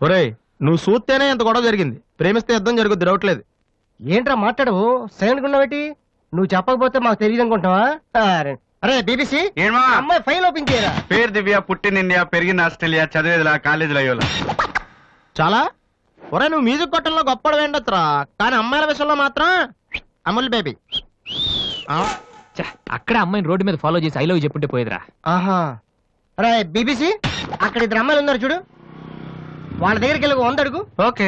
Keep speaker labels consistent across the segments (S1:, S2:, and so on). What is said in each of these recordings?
S1: ఒరేయ్ నువ్వు చూస్తేనే ఎంత గొడవ జరిగింది, ప్రేమిస్తే యుద్ధం జరుగుద్ది, డౌట్ లేదు.
S2: ఏంట్రా మాట్లాడవు, సైలెంట్ ఉన్నావేటి? నువ్వు చెప్పకపోతే మాకు తెలియదు అనుకుంటావా? అరే బీబీసీ, అమ్మాయి ఫైల్ ఓపెన్ చేయరా.
S3: పేరు దివ్య, పుట్టిన ఇండియా, పెరిగిన ఆస్ట్రేలియా, చదివేదిలా కాలేజీలో అయ్యోలా.
S1: చాలా ఒరే నువ్వు మ్యూజిక్ కొట్టంలో గొప్పడు వేండొచ్చురా, కానీ అమ్మాయిల విషయంలో మాత్రం అమూల్ బేబీ.
S4: అక్కడ అమ్మాయిని రోడ్డు మీద ఫాలో చేసి ఐ లవ్ చెప్పుంటే పోయేదిరా.
S2: ఆహా. అరే బీబీసీ, అక్కడ ఇద్దరు అమ్మాయిలు ఉన్నారు చూడు, వాళ్ళ దగ్గరికి వెళ్ళి 100 అడుగు.
S3: Okay.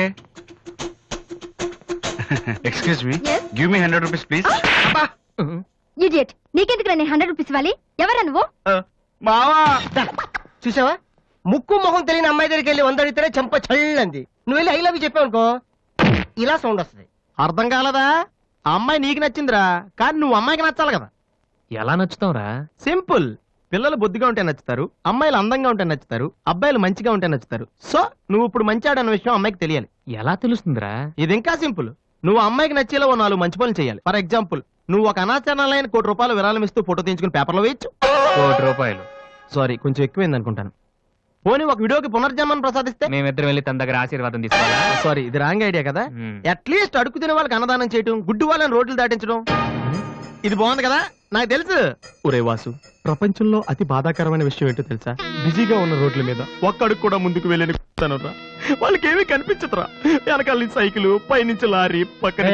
S3: Excuse me, give me 100 rupees please.
S5: Idiot, నీకెందుకు రా 100 రూపీస్ ఇవ్వాలి? ఎవరా నువ్వు?
S3: మావా,
S2: చూసావా, ముక్కు మొహం తెలియని అమ్మాయి దగ్గరికి వెళ్ళి 100 అడిగితేనే చెంప చల్లంది. నువ్వు వెళ్ళి ఐ లవ్ యూ చెప్పావు అనుకో, ఇలా సౌండ్ వస్తుంది.
S1: అర్థం కాలదా? ఆ అమ్మాయి నీకు నచ్చిందిరా, కానీ నువ్వు అమ్మాయికి నచ్చాలి కదా.
S4: ఎలా నచ్చుతావురా?
S1: సింపుల్. పిల్లలు బొద్దుగా ఉంటే నచ్చుతారు, అమ్మాయిలు అందంగా ఉంటే నచ్చుతారు, అబ్బాయిలు మంచిగా ఉంటే నచ్చుతారు. సో నువ్వు ఇప్పుడు మంచివాడన్న విషయం అమ్మాయికి తెలియాలి.
S4: ఎలా తెలుస్తుందిరా?
S1: ఇది ఇంకా సింపుల్. నువ్వు అమ్మాయికి నచ్చేలా 4 మంచి పనులు చేయాలి. ఫర్ ఎగ్జాంపుల్, నువ్వు ఒక అనాచరణలైన ₹1,00,00,000 విరాళం ఇస్తూ ఫోటో తీయించుకుని పేపర్లో వేయచ్చు.
S4: ₹1,00,00,000?
S1: సారీ, కొంచెం ఎక్కువైంది అనుకుంటాను. పోనీ ఒక వీడియోకి పునర్జన్మను ప్రసాదిస్తే
S4: మేమిద్దరం వెళ్ళి తన దగ్గర ఆశీర్వాదం తీసుకోవాలా?
S1: సారీ, ఇది రాంగ్ ఐడియా కదా. అట్లీస్ట్ అడుగు తినే వాళ్ళకి అన్నదానం చేయటం, గుడ్డు వాళ్ళని రోడ్లు దాటించడం, ఇది బాగుంది కదా. నాకు తెలుసు. ఒరే వాసు, ప్రపంచంలో అతి బాధాకరమైన విషయం ఏంటో తెలుసా? బిజీగా ఉన్న రోడ్ల మీద ఒక్క అడుగు కూడా ముందుకు వెళ్ళని వాళ్ళకి ఏమీ కనిపించదురా. వెనకాల నుంచి సైకిల్, పైనుంచి లారీ, పక్కన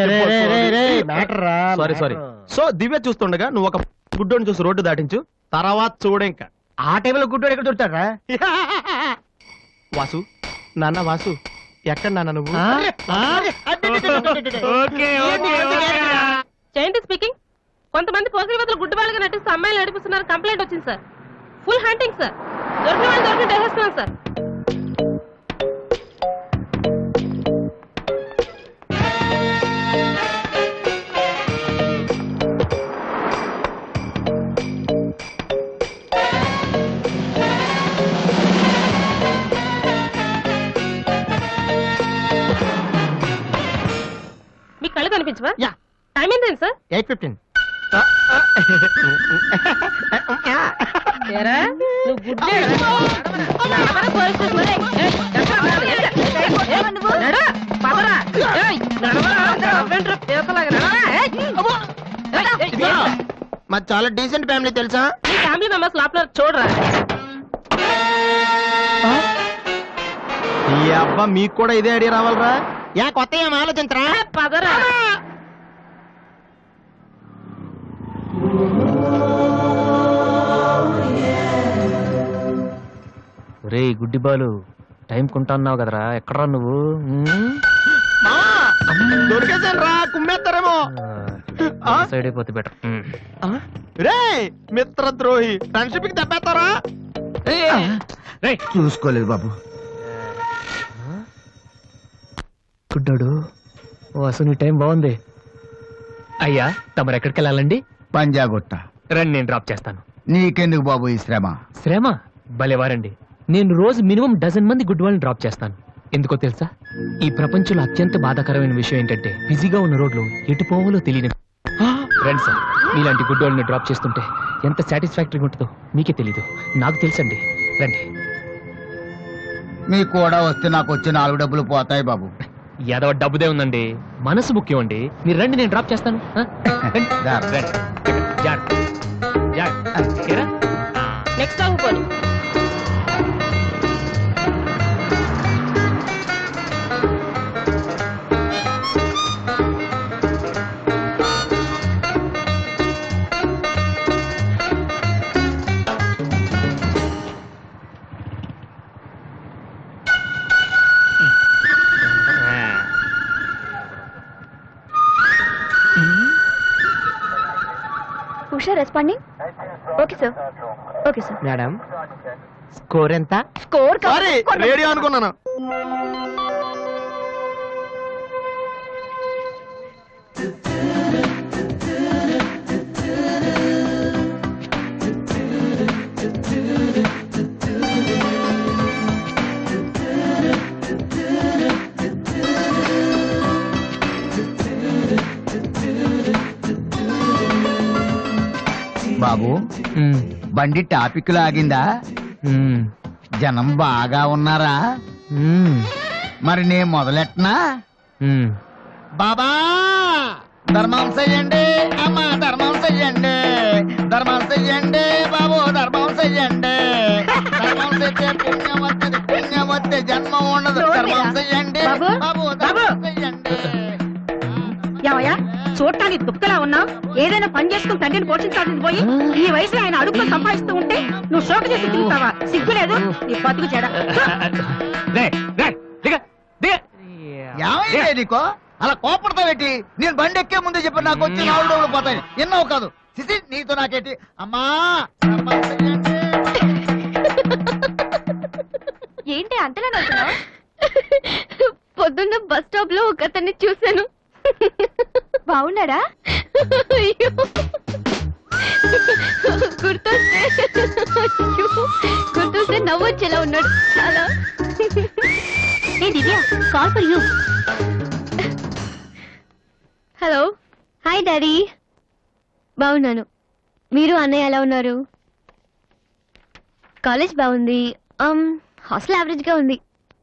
S1: సారీ. సో దివ్య చూస్తుండగా నువ్వు ఒక గుడ్డోని చూసి రోడ్డు దాటించు, తర్వాత చూడ. ఇంకా
S2: ఆ టైంలో గుడ్డోడు ఎక్కడ దొరుకుతాడా?
S1: వాసు, నాన్న వాసు, ఎక్కడ నాన్న నువ్వు?
S6: జయంతి స్పీకింగ్. కొంతమంది పోకిరివతలు గుడ్డు వాళ్ళగా నటిస్తూ అమ్మాయిలు నడిపిస్తున్నారు, కంప్లైంట్ వచ్చింది సార్. ఫుల్ హంటింగ్ సార్, దొరికిన వాళ్ళు దొరికిన వేసేస్తున్నాం సార్. మీ కళ్ళు కనిపించవా? టైం ఏంటండి సార్?
S1: 8:15.
S6: నువ్వు గుడ్డే
S1: మాది చాలా డీసెంట్ ఫ్యామిలీ తెలుసా?
S6: మీ ఫ్యామిలీ మెంబర్స్ లోపల చూడరా.
S1: ఈ అబ్బా మీకు కూడా ఇదే ఐడియా రావాలరా? యా కొత్త ఏం ఆలోచించరా?
S6: పదరా.
S4: రే గుడ్డి బాలు, టైం కొంటున్నావు కదరా, ఎక్కడరా నువ్వు?
S1: దొరికేసాను రా, కుమ్మేస్తారేమో.
S4: సైడ్ అయిపోతే బెటర్.
S1: రే మిత్రద్రోహి, ఫ్రెండ్షిప్ కి దెబ్బేస్తారా?
S7: చూసుకోలేదు బాబు.
S4: గుడ్డాడు, అసలు నీ టైం బాగుంది. అయ్యా తమరు ఎక్కడికి వెళ్ళాలండి?
S7: పంజాగుట్ట.
S4: రండి, నేను డ్రాప్ చేస్తాను.
S7: నీకెందుకు బాబు ఈ శ్రమ?
S4: శ్రమ భలేవారండి. నేను రోజు మినిమం 12 మంది గుడ్ వాళ్ళని డ్రాప్ చేస్తాను. ఎందుకో తెలుసా? ఈ ప్రపంచంలో అత్యంత బాధాకరమైన విషయం ఏంటంటే, బిజీగా ఉన్న రోడ్లు ఎటు పోవాలో తెలియని. రండి సార్, మీలాంటి గుడ్ వాళ్ళని డ్రాప్ చేస్తుంటే ఎంత సాటిస్ఫాక్టరీగా ఉంటుందో మీకే తెలీదు, నాకు తెలుసండి. రండి.
S7: మీకు కూడా వస్తే నాకు వచ్చే 4 డబ్బులు పోతాయి బాబు.
S4: ఏదో డబ్బుదే ఉందండి, మనసు ముఖ్యం అండి. మీరు రండి, నేను డ్రాప్ చేస్తాను.
S6: నెక్స్ట్ ఆగిపోయి
S5: Usha responding. Okay sir, okay sir.
S1: Madam score ఎంత?
S5: స్కోర్
S1: రేడియో అనుకున్నాను.
S7: బాబు బండి టాపిక్ లాగిందా? జనం బాగా ఉన్నారా? మరి నేను మొదలెట్టనా? బాబా ధర్మం చెయ్యండి, అమ్మ ధర్మం చెయ్యండి, ధర్మం చెయ్యండి బాబు, ధర్మం చెయ్యండి. ధర్మం చేస్తే పుణ్యం వస్తుంది, పుణ్యం వస్తే జన్మ ఉండదు. ధర్మం చెయ్యండి బాబు, ధర్మం చెయ్యండి.
S8: ఏమయ్యా చూడటానికి దుఃఖలా ఉన్నా ఏదైనా పని చేసుకుని తండ్రిని పోషించాల్సింది పోయి ఈ వయసులో ఆయన అడుగులు సంపాదిస్తూ ఉంటే నువ్వు షోక చేసి తిరుగుతావా? సిగ్గులేదు నీ బతుకు చెడ.
S7: ఏమైంది నీకో అలా కోపడతావు ఏంటి? నేను బండి ఎక్కే ముందే చెప్పి నాకు వచ్చి 4 డబ్బులు పోతాయి. ఎన్నో కాదు సిసి, నీతో నాకేంటి? అమ్మా ధర్మం చెయ్యండి.
S5: ఏంటి అంతలా నవ్వుతున్నావ్? పొద్దున్న బస్ స్టాప్ లో ఒక అతన్ని చూశాను. బాగున్నాడా? అయ్యో, గుర్తొస్తే నవ్వొచ్చేలా ఉన్నాడు చాలా. ఏ Divya, call for you. Hello, hi daddy. బాగున్నాను. మీరు అన్నయ్య ఎలా ఉన్నారు? కాలేజ్ బాగుంది. హాస్టల్ యావరేజ్ గా ఉంది.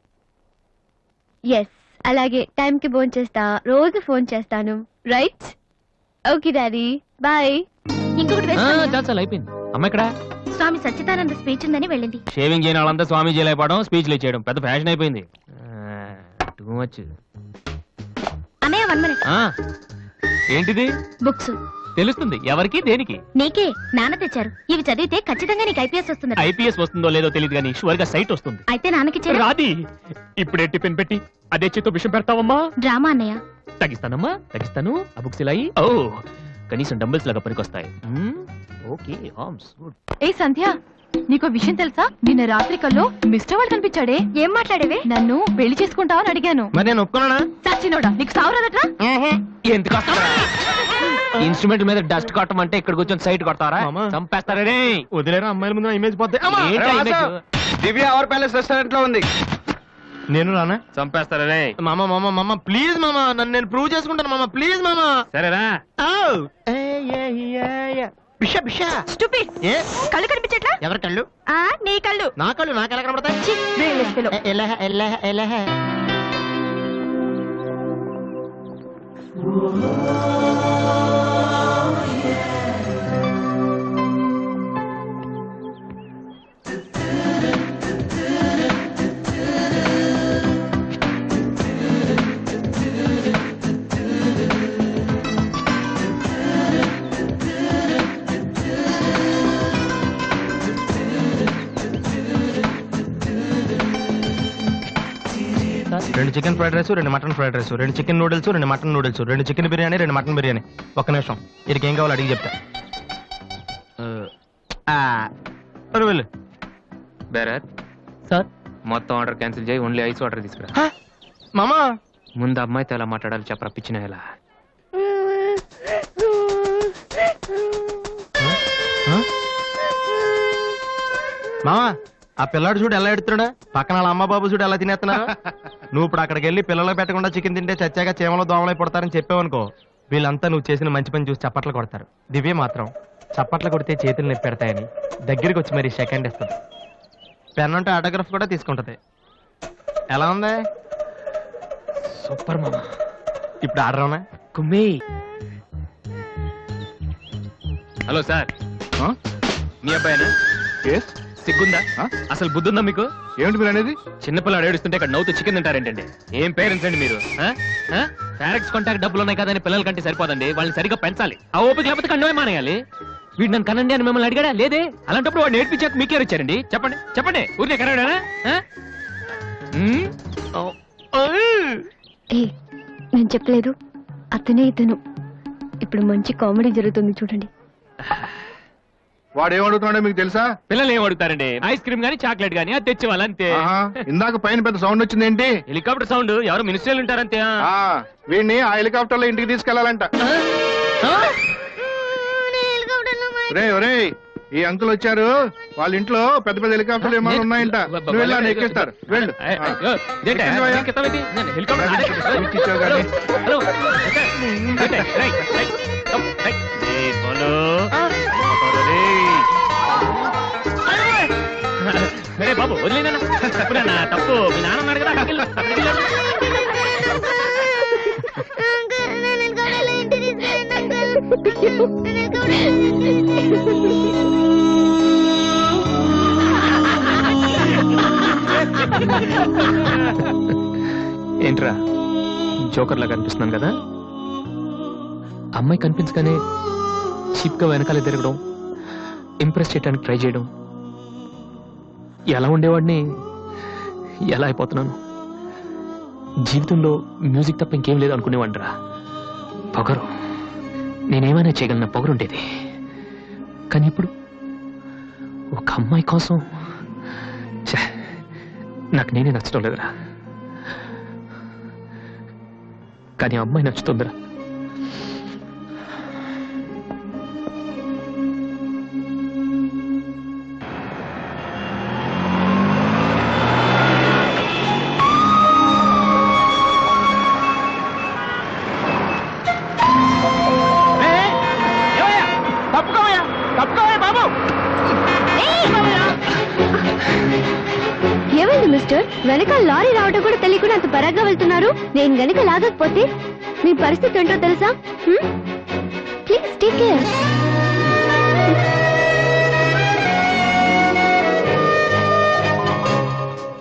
S5: ఎస్, అలాగే టైంకి ఫోన్ చేస్తా, రోజు ఫోన్ చేస్తాను. రైట్? Okay daddy, bye. ఇంకొకటి
S4: చాలు అయిపోయింది. అమ్మ ఇక్కడ
S5: స్వామి సచ్చిదానంద స్పీచ్ ఉందని వెళ్ళింది.
S4: షేవింగ్ చేయని వాళ్ళంతా స్వామీజీ అయిపోవడం, స్పీచ్లు ఇచ్చేయడం పెద్ద ఫ్యాషన్ అయిపోయింది. Too much.
S5: అన్నయ్య 1 minute.
S4: ఏంటిది?
S5: బుక్స్.
S4: తెలుస్తుంది ఎవరికి దేనికి?
S5: నీకే. నాన్న తెచ్చారు. ఇవి చదివితే ఖచ్చితంగా నీకు ఐపీఎస్ వస్తుంది.
S4: ఐపీఎస్ వస్తుందో లేదో తెలియదు కానీ షువర్ గా సైట్ వస్తుంది.
S5: అయితే నాన్నకిచ్చారు.
S4: రాది ఇప్పుడే టిఫిన్ పెట్టి అదే చేతో విషయం పెడతావమ్మా.
S5: డ్రామా అన్నయ్య.
S4: తగ్గిస్తానమ్మా, తగ్గిస్తాను. ఆ బుక్స్ ఇలా ఓ కనీసం డంబుల్స్ లాగా పనికొస్తాయి. Okay arms good.
S8: ఏ సంధ్య, నీకో విషయం తెలుసా? నిన్న రాత్రి కల్లో మిస్టర్ వాళ్ళు కనిపించాడే.
S5: ఏం మాట్లాడేవే?
S8: నన్ను పెళ్లి చేసుకుంటావని అడిగాను.
S1: మరి నేను ఒప్పుకున్నానా?
S8: సచ్చినోడా, నీకు సావరాదట్రా?
S4: ఎంత కష్టం. ఇన్స్ట్రుమెంట్ మీద డస్ట్ కొట్టమంటే ఇక్కడ కూర్చొని సైట్ కొడతారా?
S1: మామా.
S4: చంపేస్తారే.
S1: వదిలేరా, అమ్మాయిల ముందు ఇమేజ్ పోతే.
S4: ఏంట్రా image?
S3: Divya our palace restaurant లో ఉంది.
S1: నేను రానా?
S4: చంపేస్తారే.
S1: మామ మామ మామ ప్లీజ్ మామ, నన్ను నేను ప్రూవ్ చేసుకుంటాను మామ, ప్లీజ్ మామ.
S4: సరేరా.
S1: బిషా బిషా.
S8: స్టూపిడ్.
S1: ఏ
S8: కళ్ళు కనిపించట్లా?
S1: ఎవరి కళ్ళు?
S8: నీ కళ్ళు.
S1: నా కళ్ళు నాకెలా కనబడతాయి? ఎలా ఎలా ఎలా? రెండు chicken fried rice, 2 mutton fried rice, 2 chicken noodles, 2 mutton noodles, 2 chicken biryani, 2 mutton biryani. ఒక్క నిమిషం, వీరికి ఏం కావాలో అడిగి చెప్తా. వెళ్ళు.
S4: బేరత్ సార్, మొత్తం ఆర్డర్ క్యాన్సిల్ చేయి, ఓన్లీ ఐస్ వాటర్ తీసుకురా.
S1: మామా
S4: ముందు అమ్మాయితో ఎలా మాట్లాడాలి చెప్పరా పిచ్చిన ఎలా.
S1: మామా, ఆ పిల్లాడు చూడు ఎలా ఎడుతున్నాడా, పక్కన వాళ్ళ అమ్మ బాబు చూడు ఎలా తినేస్తున్నా. నువ్వు ఇప్పుడు అక్కడికి వెళ్ళి పిల్లలకు పెట్టకుండా చికెన్ తింటే చచ్చాక చీమలో దోమలై పడతారని చెప్పావనుకో, వీళ్ళంతా నువ్వు చేసిన మంచి పని చూసి చప్పట్లు కొడతారు. దివ్య మాత్రం చప్పట్లు కొడితే చేతులు నొప్పి పెడతాయని దగ్గరికి వచ్చి మరి సెకండ్ ఇస్తుంది. పెన్ అంటే ఆటోగ్రాఫ్ కూడా తీసుకుంటది. ఎలా ఉంది?
S4: సూపర్ మామా.
S1: ఇప్పుడు ఆర్డర్ అవునా?
S4: కుమ్మి. హలో సార్, మీ అబ్బాయినా? సిగ్గుందా? అసలు బుద్ధుందా మీకు?
S3: ఏమిటి మీరు అనేది?
S4: చిన్నపిల్లాడు ఏడుస్తుంటే ఇక్కడ నవ్వుతూ చికెన్ తింటారేంటండి? ఏం పేరెంట్స్ అండి మీరు? పేరెంట్స్ కాంటాక్ట్ డబ్బులు ఉన్నాయి కదని పిల్లల కంటే సరిపోదండి, వాళ్ళని సరిగ్గా పెంచాలి. ఆ ఓపిక లేకపోతే కండమే మానేయాలి. వీడు నన్ను కనండి అని మిమ్మల్ని అడిగాడా? లేదే. అలాంటప్పుడు వాడు నేర్పించాక మీకే వచ్చారండి. చెప్పండి చెప్పండి, ఊరికే కనడానా?
S5: నేను చెప్పలేదు, అతనే ఇతను. ఇప్పుడు మంచి కామెడీ జరుగుతుంది చూడండి.
S3: వాడు ఏమడుగుతున్నాడో మీకు తెలుసా?
S4: పిల్లలు ఏం అడుగుతారండి? ఐస్ క్రీమ్ గానీ చాక్లెట్ గానీ అది తెచ్చి వాళ్ళంతే.
S3: ఇందాక పైన పెద్ద సౌండ్ వచ్చింది ఏంటి?
S4: Helicopter sound. ఎవరు మినిస్టర్లు ఉంటారంతే.
S3: వీడిని ఆ హెలికాప్టర్ లో ఇంటికి తీసుకెళ్లాలంట. ఒరే ఈ అంకుల్ వచ్చారు, వాళ్ళ ఇంట్లో పెద్ద పెద్ద హెలికాప్టర్లు ఏమైనా ఉన్నాయంట. నువ్వు వెళ్ళి ఎక్కిస్తారు. వెళ్ళు.
S4: బాబు వదిలేదన్నా తప్పు. మీ నాన్న ఉన్నాడు కదా. ఏంట్రా జోకర్ లాగా కనిపిస్తున్నాను కదా? అమ్మాయి కనిపించగానే చీప్ గా వెనకాల తిరగడం, ఇంప్రెస్ చేయడానికి ట్రై చేయడం, ఎలా ఉండేవాడిని ఎలా అయిపోతున్నాను. జీవితంలో మ్యూజిక్ తప్ప ఇంకేం లేదు అనుకునేవాడిరా. పొగరు, నేనేమైనా చేయగలన పొగరుండేది. కానీ ఇప్పుడు ఒక అమ్మాయి కోసం నాకు నేనే నచ్చడం లేదురా. కానీ అమ్మాయి నచ్చుతుందిరా.
S5: ఏమైంది మిస్టర్? వెనకాల లారీ రావడం కూడా తెలియకుండా అంత పరాగ్గా వెళ్తున్నారు. నేను గనుక లాగకపోతే మీ పరిస్థితి ఏంటో తెలుసా? Please take care.